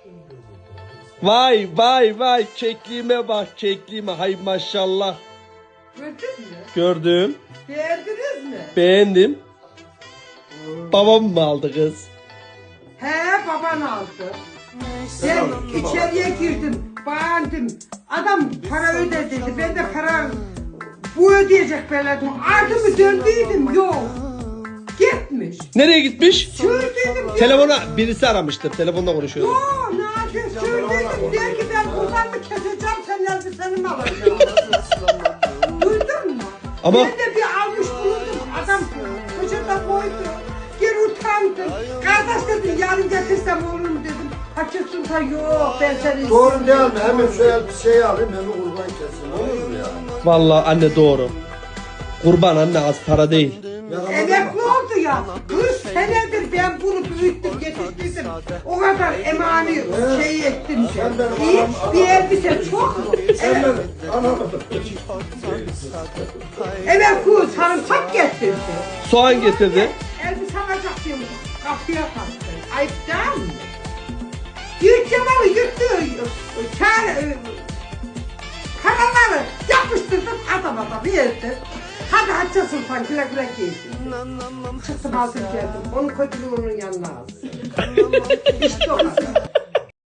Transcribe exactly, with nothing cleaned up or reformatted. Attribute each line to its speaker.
Speaker 1: Vay vay vay kekliğime bak kekliğime hay maşallah.
Speaker 2: Gördün mü?
Speaker 1: Gördüm.
Speaker 2: Beğendiniz mi?
Speaker 1: Beğendim. Babam mı aldı kız?
Speaker 2: He baban aldı. Ben içeriye girdim, beğendim. Adam para öde dedi. Ben de para bu ödeyecek belediye. Ardımı döndüydüm yok. Gitmiş.
Speaker 1: Nereye gitmiş?
Speaker 2: Sürdüydüm.
Speaker 1: Telefona birisi aramıştır. Telefonda konuşuyordu.
Speaker 2: Yok Nadir sürdüydüm. Der ki ben buradan mı keseceğim sen elbiseni mi alacaksın? Duydun mu?
Speaker 1: Ama-
Speaker 2: Ben de bir almış bulundum. Adam poşete koydu. Geri utandı. Kardeş dedi yarın getirsem olur mu dedim. Hacı Sultan yok ben seni
Speaker 3: Doğru
Speaker 2: istiyorum.
Speaker 3: değil mi? Hemen şu elbiseyi alayım, hemen kurban kesin. Olur mu ya?
Speaker 1: Vallahi anne doğru. Kurban anne az para değil.
Speaker 2: Emekli oldu ya. kırk senedir ben bunu büyüttüm, yetiştirdim. O kadar emani şey ettim. İyi bir elbise çok mu?
Speaker 3: Sen
Speaker 2: Evet.
Speaker 3: ben anlamadım.
Speaker 2: Emekli sarımsak getirdi.
Speaker 1: Soğan getirdi.
Speaker 2: Elbise alacak diyorum. Kapıya kalktı. Ayıp değil mi? Yurt yamanı yuttu. Kar, karaları yapıştırdım adama da verdim. Hadi Hacı Sultan güle güle giysin. Çıktım aldım geldim. Onun kötülüğü onun yanına alsın. İşte o kadar.